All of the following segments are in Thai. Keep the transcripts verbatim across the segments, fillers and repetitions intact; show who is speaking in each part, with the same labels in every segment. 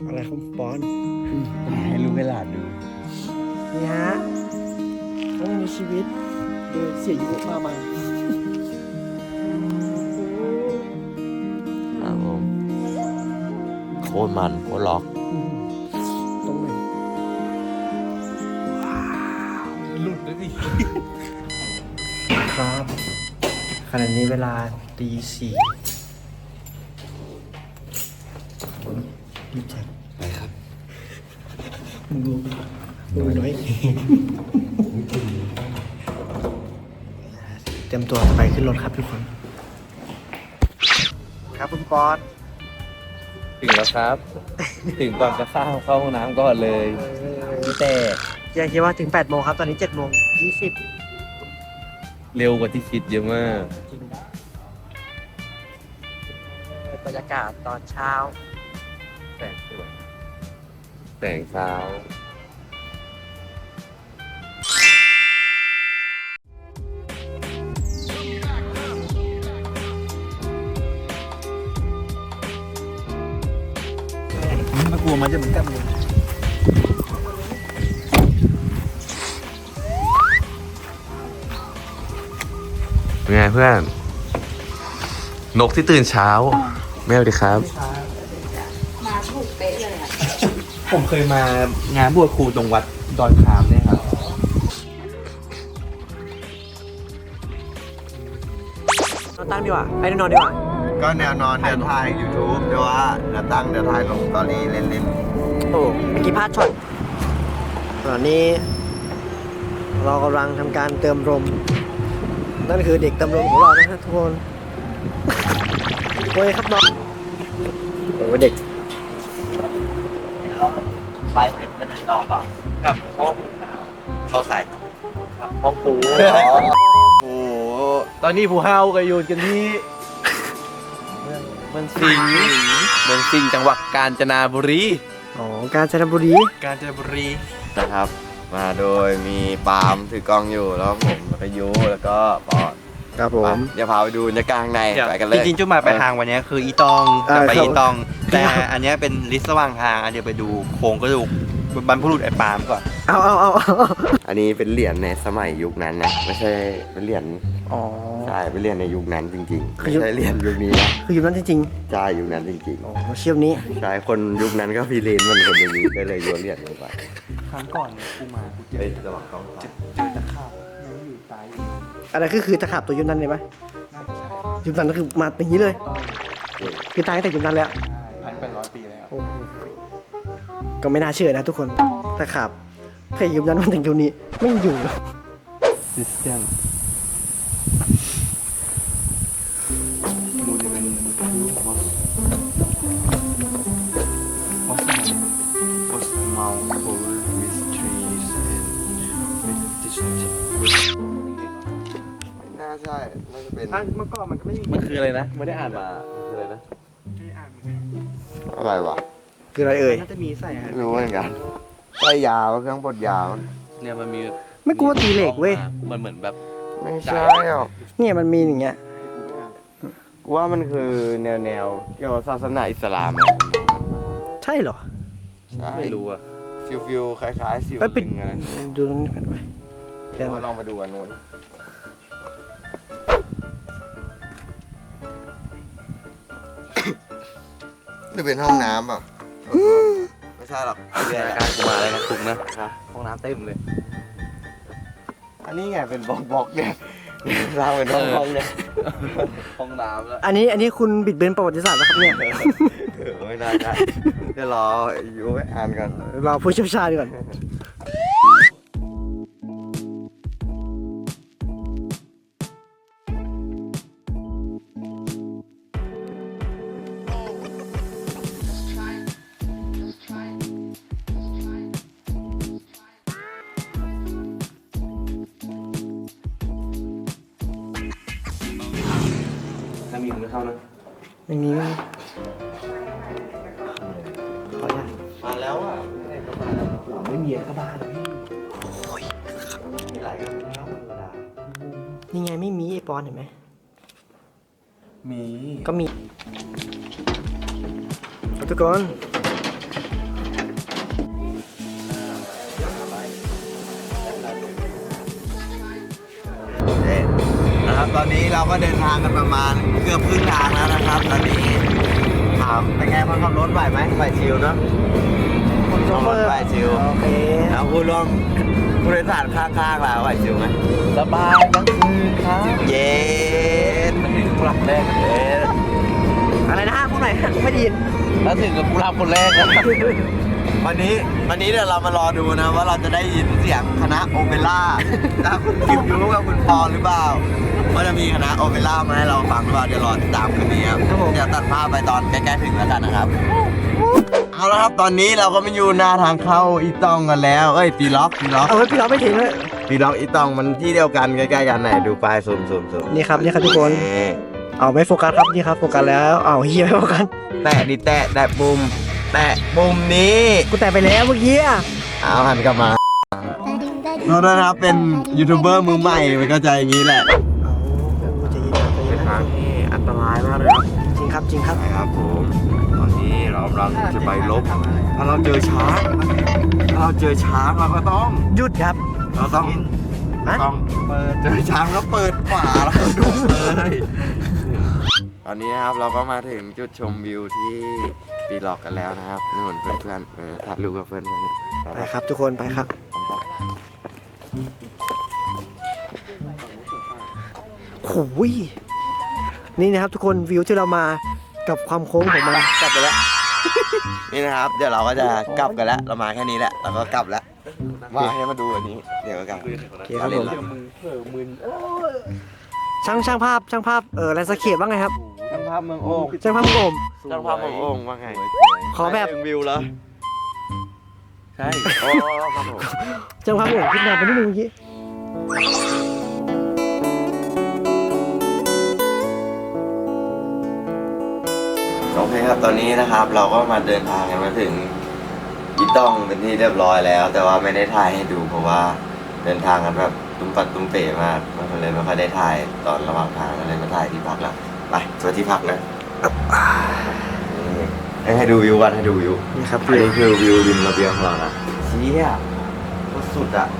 Speaker 1: อะไรครับบอล
Speaker 2: ให้ลูกให้หลานดู
Speaker 1: นี่ฮะเขามีชีวิตโดยเสียยุมามา
Speaker 2: ครับผมโคตรมันโคตรล็อก
Speaker 1: ตรงไหน
Speaker 2: หลุดเลยดิ
Speaker 1: ครับขณะนี้เวลาตีสี่รีบแจ็ค
Speaker 2: ไปครับ
Speaker 1: มึงดูมึงน้อยเตรียมตัวจะไปขึ้นรถครับทุกคน ครับคุณปอน
Speaker 2: ถึงแล้วครับ ถึงก่อนจะเข้าเข้าห้องน้ำก่อนเลยแต่
Speaker 1: ยังคิดว่าถึงแปดโมงครับ ตอนนี้เจ็ดโมงยี่สิบ
Speaker 2: เร็วกว่าที่คิดเยอะมาก
Speaker 1: จริงนะบรรยากาศตอนเช้า
Speaker 2: แสงสวยแสงเช้า
Speaker 1: มากลัวมันจะเหมือนกันเลย
Speaker 2: เป็นไงเพื่อน นกที่ตื่นเช้าแม่สวัสดีครับ
Speaker 3: มาถูกเป๊ะเลยอ่ะ
Speaker 4: ผมเคยมางานบวชครูตรงวัดดอนคามเนี่ยครับ
Speaker 1: นอนตั้งดีกว่าไปนอนดีกว่า
Speaker 5: ก็แนวนอนเดี๋ยวถ่าย YouTube เดี๋ยวว่าเดี๋ยวตั้งเดี๋ยวถ่ายลงสตอรี่เล่น
Speaker 1: โอ้เมื่อกี้พลาดช็อตตอนนี้ เรากำลังทำการเติมลม นั่นคือเด็กเติมลมของเรานะฮะทุกคนโอ้ยครับน้องโอ้ยเด็ก
Speaker 4: ไปเป็นต่อเปล่าครับห้องเขาใส่ครับห้องปู
Speaker 5: ๆ โอ้โห
Speaker 4: ตอนนี้ผู้เฮากับยูนกันที่เมืองสิงห์เมืองสิงห์จังหวัดกาญจนบุรี
Speaker 1: อ๋อกาญจนบุรี
Speaker 4: กาญจนบุรี
Speaker 5: นะครับ มาโดยมีปาล์มถือกล้องอยู่แล้วผมแล้วก็ยูแล้วก็ปอน
Speaker 1: ครับผม
Speaker 5: เดี๋ยวพาไปดูบรรยากาศข้างในไปกันเล
Speaker 4: จ
Speaker 5: ย
Speaker 4: ริงๆจุดหมายปลายทางวันนี้คืออีตองจะไป
Speaker 1: เออครับ
Speaker 4: อีตอง แต่อันเนี้ยเป็นลิสต์ระหว่างทางอันเดียวไปดูโครงกระดูกบรรพบุรุษไอ้ปาล์มก่อน
Speaker 1: เอาเอาเอาเอา
Speaker 5: อันนี้เป็นเหรียญในสมัยยุคนั้นนะไม่ใช่เป็นเหรียญ
Speaker 1: อ๋อ
Speaker 5: ใช่เป็นเหรียญในยุคนั้นจริงๆ
Speaker 1: คือ
Speaker 5: ไม่
Speaker 1: ยุค
Speaker 5: ใช่เหรียญยุคนี้นะ
Speaker 1: คืออยู่นั้นจริง
Speaker 5: ใช่ยุคนั้นจริง
Speaker 1: ๆอ๋อเชี่ยวนี้
Speaker 5: ๆใช่คนยุคนั้นก็พีเรนมันคนอย่างนี้ก็เลยโยนเหรียญลงไป
Speaker 4: ครั้งก่อนเนี่ยกูมากูเจ
Speaker 5: เฮ้
Speaker 4: อย
Speaker 5: ระหว่างกล้อง
Speaker 4: เจอตะขาบยังอยู่ตายอยู่
Speaker 1: อะไรคือคือตะขาบตัวยุคนั้นเลยไหม
Speaker 4: น่าจะใช่
Speaker 1: ยุคนั้นก็คือมาอย่างนี้เลย คือตายตั้งแต่ยุคนั้นแล้ว
Speaker 4: พันเป็นร้อยปีแล้ว
Speaker 1: โอ้โหก็ไม่น่าเชื่อนะทุกคนตะขาบใครยุคนั้นมันถึงยุคนี้ไม่อยู่หรอก
Speaker 4: ซิสเต็มมูลเป็นวอสวอสมันวอสมัลโคลวิสทรีสแอนด์วิสดิสติ
Speaker 5: น่าใช่น่าจะเป็น
Speaker 1: เมื่อก่อนมันก็ไม่มี
Speaker 2: มันคืออะไรนะ ไม่ได้อ่านมาคืออะไรนะ
Speaker 5: อะไรวะ
Speaker 1: คืออะไรเอ่ย
Speaker 4: น่าจะมีใส่ฮะ
Speaker 5: ไม่รู้เหมือนกันใส่ยาวเครื่องบดยาว
Speaker 2: เนี่ยมันมี
Speaker 1: ไม่กลัวตีเหล็กเว้ย
Speaker 2: มันเหมือนแบบ
Speaker 5: ไม่ใช่หรอก
Speaker 1: เนี่ยมันมีอย่างเงี้ย
Speaker 5: กูว่ามันคือแนวแนวๆเกี่ยวกับศาสนาอิสลามอะ
Speaker 1: ใช่เหรอ
Speaker 5: ใช่
Speaker 2: ไม่รู้อะ
Speaker 5: ฟิวฟิวคล้ายๆสิว
Speaker 1: ไปปิด
Speaker 5: ลิงอะไร
Speaker 1: ดูตรงนี้กันไปเดี๋ยว
Speaker 5: เราลองไปดูกันนู้นหรือเป็นห้องน้ำอ่ะไม่ใช่หรอก
Speaker 2: จินตนาการกูมาอะไรนะคุกนะห้องน้ำเต็มเลย
Speaker 5: อันนี้ไงเป็นบล็อกบล็อกๆเนี่ยสร้างเป็นห้องห้องๆเนี่ย
Speaker 2: ห้องน้ำแล้ว
Speaker 1: อันนี้อันนี้คุณบิดเบือนประวัติศาสตร์แล้วครับเนี่ย
Speaker 5: เออไม่ได้ได้เดี๋ยวรออยู่ไปอ่านกัน
Speaker 1: เราผู้เชี่ยวชาญก่อน
Speaker 2: ถ้ามีมึงเข้านะ
Speaker 1: ไม่มีไม่มีขออนุญาต
Speaker 5: มาแล้วอ่ะ
Speaker 4: ไม่มีอะไรก็บ้าเลย
Speaker 5: มีหลายกันแล้วธรรมดา
Speaker 1: นี่ไงไม่มีไอปอนเห็นไหม
Speaker 4: มี
Speaker 1: ก็มีทุกคน
Speaker 5: ครับตอนนี้เราก็เดินทางกันประมาณเกือบครึ่งทางแล้วนะครับ ตอนนี้ถามเป็นไงคนขับรถไหวไหมไหวชิวเนาะ
Speaker 1: คนโชเฟอร์
Speaker 5: ไหวชิว
Speaker 1: โอเค
Speaker 5: แล้วผู้ร่วมผู้โดยสารข้างๆเราไหวชิวไหม
Speaker 4: สบายทั้งคืนครับ
Speaker 5: เย็น
Speaker 4: มันถึงผู้รับแรก
Speaker 5: เย็น
Speaker 1: อะไรนะฮะพูดหน่อยฮะไม่ได้ยิน
Speaker 4: แล้วถึงกับผู้รับคนแรกนะ
Speaker 5: วันนี้วันนี้เดี๋ยวเรามารอดูนะว่าเราจะได้ยินเสียงคณะโอเปร่าจากคุณคิมยูกับคุณปอนหรือเปล่าว่าจะมีคณะโอเปร่ามาให้เราฟังหรือเปล่าเดี๋ยวรอติดตามคืนนี้ครับ
Speaker 1: ครับผม
Speaker 5: เดี๋ยวตัดภาพไปตอนใกล้ๆถึงแล้วกันนะครับ เอาละครับตอนนี้เราก็มาอยู่หน้าทางเข้าอีตองกันแล้วเอ้ยปีล็อกปีล็อก
Speaker 1: เอาไว้พี่เราไม่ทิ้งเลย
Speaker 5: ปีล็อกอีตองมันที่เดียวกันใกล้ๆกันไหนดูป้ายซูมซูมซูม
Speaker 1: นี่ครับนี่ครับทุกคน
Speaker 5: นี่
Speaker 1: เอาไม่โฟกัสครับนี่ครับโฟกัสแล้วเอาเฮียไม่โฟกัส
Speaker 5: แตะดิแตะแตะปุ่มแตะปุ่มนี้
Speaker 1: กูแต่ไปแล้วเมื่อกี้อะ
Speaker 5: เอาหันกลับมาโทษนะครับเป็นยูทูบเบอร์มือใหม่มันก็จะอย่างนี้แหละ
Speaker 1: เอาใจเย็นครับใจเย็
Speaker 5: เป็น น
Speaker 1: ค
Speaker 5: ทา
Speaker 1: รับ
Speaker 5: งที่อันตรายมากเลยครับ
Speaker 1: จริงครับจริงครับ
Speaker 5: นะครับผมตอนนี้เรากำลังจะไปลบถ้าเราเจอช้างถ้าเราเจอช้างเราก็ต้อง
Speaker 1: หยุดครับ
Speaker 5: เราต้อง
Speaker 1: ฮะ
Speaker 5: ต้องเปิดเจอช้างก็เปิดฝาแล้วก็ดูเลยตอนนี้นะครับเราก็มาถึงจุดชมวิวที่ปีหลอกกันแล้วนะครับนู่นเพื่อนๆเออถ่ายรูปกับเพื่อนๆเนี่ย
Speaker 1: ไปครับทุกคนไปครับโอ้ยนี่นะครับทุกคนวิวที่เรามากับความโค้งของมัน
Speaker 5: กลับไปแล้ว นี่นะครับเดี๋ยวเราก็จะกลับกันแล้วเรามาแค่นี้แหละเราก็กลับแล้วมาให้มาดูอันนี้เดี๋ยวก็กลับ
Speaker 1: โอเคครับผมช่างช่างภาพช่างภาพเออแลนด์สเคปว่าไงครับ
Speaker 5: ช่างภาพเมืองโอ่ง
Speaker 1: ช่างภาพมุกโอม
Speaker 5: ช่างภาพเมืองโอ่งว่าไง
Speaker 1: ขอแบบ
Speaker 5: ถึงวิวแล้วใช่โอ้ครับผม
Speaker 1: ช่างภาพมุกโอมขึ้นมาไปนิดนึงเมื่อกี้
Speaker 5: โอเคครับตอนนี้นะครับ เราก็มาเดินทางกันมาถึงอีต้องเป็นที่เรียบร้อยแล้ว แต่ว่าไม่ได้ถ่ายให้ดูเพราะว่าเดินทางกันแบบตุ้มปัดตุ้มเป๋มากมันเลยไม่ค่อยได้ถ่ายตอนระหว่างทางก็เลยมาถ่ายที่พักแล้วไปสวัสดีพักนะนี่ให้ดูวิวกันให้ดูวิว
Speaker 1: นี่ครับ
Speaker 5: อันนี้คือวิวริมระเบียงของเรานะเชี่ยโคตรสุดอ่ะ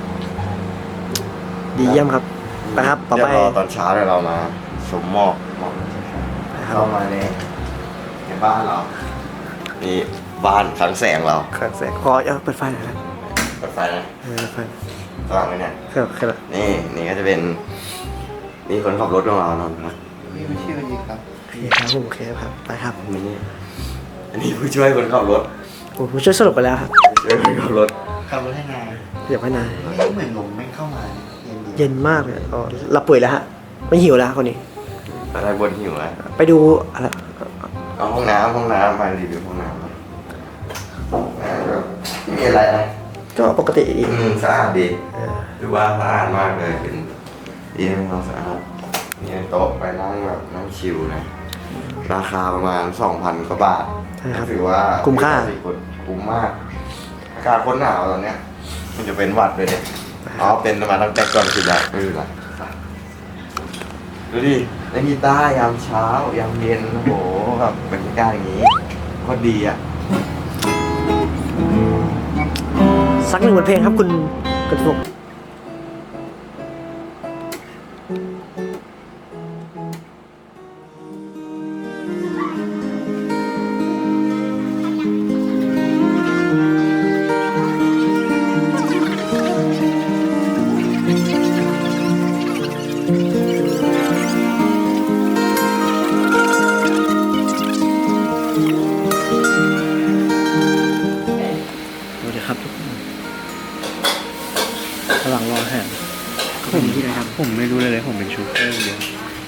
Speaker 1: ดีเยี่ยมครับไปครับต่อไป
Speaker 5: เดี๋ยวรอตอนเช้าเดี๋ยวเรามาชมหมอกหมอก
Speaker 1: ไปครับ
Speaker 5: เข้ามาในในบ้านเรานี่บ้านขังแสงเรา
Speaker 1: เครื่องแสงขอเออเปิดไฟหน่อยนะ
Speaker 5: เปิดไฟนะ
Speaker 1: เออเปิดไฟ
Speaker 5: สว่างเลยเนี่ย
Speaker 1: เครื่องเครื่อง
Speaker 5: นี่นี่ก็จะเป็นนี่คนขับรถของเรานอนพัก
Speaker 4: นี่ไม่ชื่อนี้ครับ
Speaker 1: โอเคครับผมโอเคครับไปครับ
Speaker 5: นี่อันนี้ผู้ช่วยคนขับรถ
Speaker 1: โอ้ผมช่วยสรุปไปแล้วครับ
Speaker 5: ผู้ช่วยคนขับรถ
Speaker 4: ขับรถให้นาย
Speaker 1: เดี๋ยวไม่นาน
Speaker 4: ไม่เหมือนลมไม่เข้ามาเย็นดี
Speaker 1: เย็นมากเลยอ๋อเราป่วยแล้วฮะไม่หิวแล้วคนนี้
Speaker 5: อะไรบนหิวอะ
Speaker 1: ไปดูอะไร
Speaker 5: เอาห้องน้ำห้องน้ำไปรีวิวห้องน้ำไม่มีอะไรนะ
Speaker 1: ก็ปกติดี
Speaker 5: อืมสะอาดดี
Speaker 1: เออ
Speaker 5: ดูว่าสะอาดมากเลยเป็นดีเป็นความสะอาดมีโต๊ะไปนั่งแบบนั่งชิลนะราคาประมาณ สองพัน กว่าบาท
Speaker 1: ใช่ครับ
Speaker 5: ถือว่า
Speaker 1: คุ้มค่า
Speaker 5: คุ้มมากอากาศโคนหนาวตอนเนี้ยมันจะเป็นหวัดเลยเนี่ยอ๋อเป็นมาตั้งแต่ก่อนคือแบบไม่เป็นไรดูดิเล่นกีตาร์ยามเช้ายามเย็นโอ้โหแบบบรรยากาศอย่างนี้โคตรดีอ่ะ
Speaker 1: สักหนึ่งบทเพลงครับคุณคุณฟุก สวัสดีครับทุกคนระหว่างรออาหารก็เป็นที่ไรครับ
Speaker 4: ผมไม่รู้เลยเลยผมเป็นชูเฟอร์เดียว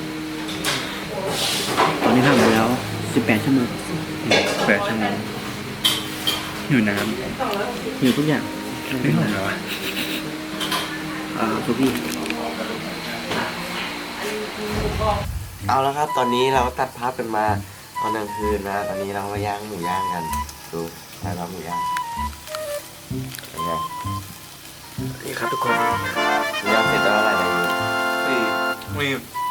Speaker 1: ตอนนี้ผ่านมาแล้วสิบแปดชั่วโมง
Speaker 4: แปดชั่วโมงอยู่น้
Speaker 1: อยู่ทุกอย่าง
Speaker 4: ำไม่หอมเหรอวะ
Speaker 1: อ่าทุกที่
Speaker 5: เอาละครับตอนนี้เราตัดภาพกันมาตอนกลางคืนนะตอนนี้เรามาย่างหมูย่างกันดูใช่เราหมูย่างเป็นไง
Speaker 1: นี่ครับทุกคน
Speaker 5: หมูย่างเสร็จแล้วอะไรเนี่ย
Speaker 4: สี่มี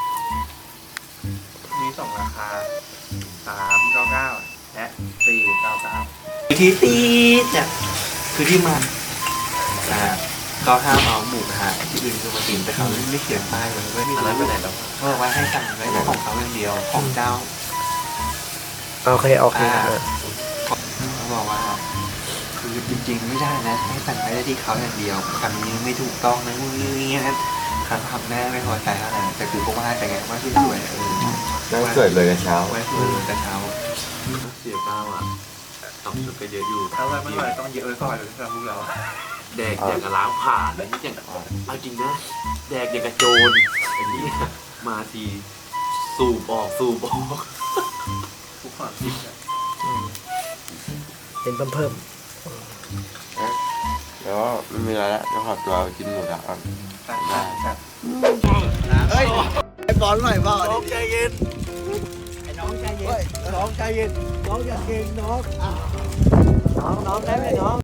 Speaker 4: มีสองราคาสามเก้าเก้าและสี่เก้าเก้า
Speaker 1: ที่ตีเนี่ยคือที่มาอ่า
Speaker 4: ก็ห้ามเอาหมูกระทะที่อื่นคือมากินแต่เขาไม่เขียนป้ายไว้เว้ย
Speaker 2: อันนั้นไปไหนแล้ว
Speaker 4: เขาบอกว่าให้สั่งไว้ของเขาอย่างเดียวของเจ้า
Speaker 1: โอเคโอเค
Speaker 4: อ่า
Speaker 1: เออ
Speaker 4: เขาบอกว่าคือจริงๆไม่ได้นะให้สั่งไว้ได้ที่เขาอย่างเดียวคำนี้ไม่ถูกต้องนะมึงนี่นะคำทำแม่ไม่พอใจเท่าไหร่แต่คือก็ว่าแต่ไงว่าที่สวยเออ
Speaker 5: นั่งสวยเลยกันเช้า
Speaker 4: ไว้สวยแต่เช้า
Speaker 2: เสียเปล่าอ่ะต้องชุดก็เยอะอยู่
Speaker 4: ถ้าว่าไม่ไหวต้องเยอะไว้ก่อนเลยสำหรับพวกเรา
Speaker 2: แดกอย่างกับล้างผ่านเลยนี่อย่างเอาจริงนะแดกอย่างกับโจรไอ้นี่มาทีสูบออกสูบออก
Speaker 4: ทุกความคิดอะ
Speaker 1: เป็นเพิ่มเพิ่ม
Speaker 5: แล้วไม่มีอะไรแล้วจะขอตัวกินหมูกระทะก่อน
Speaker 4: ได้ครับ
Speaker 1: เฮ้ยไอ้บอลหน่อยบอล
Speaker 2: น้องใจเย็น
Speaker 1: ไอ้น้องใจเย็นน้องใจเย็นน้องอย่าเก่งน้องน้องน้องได้ไหมน้อง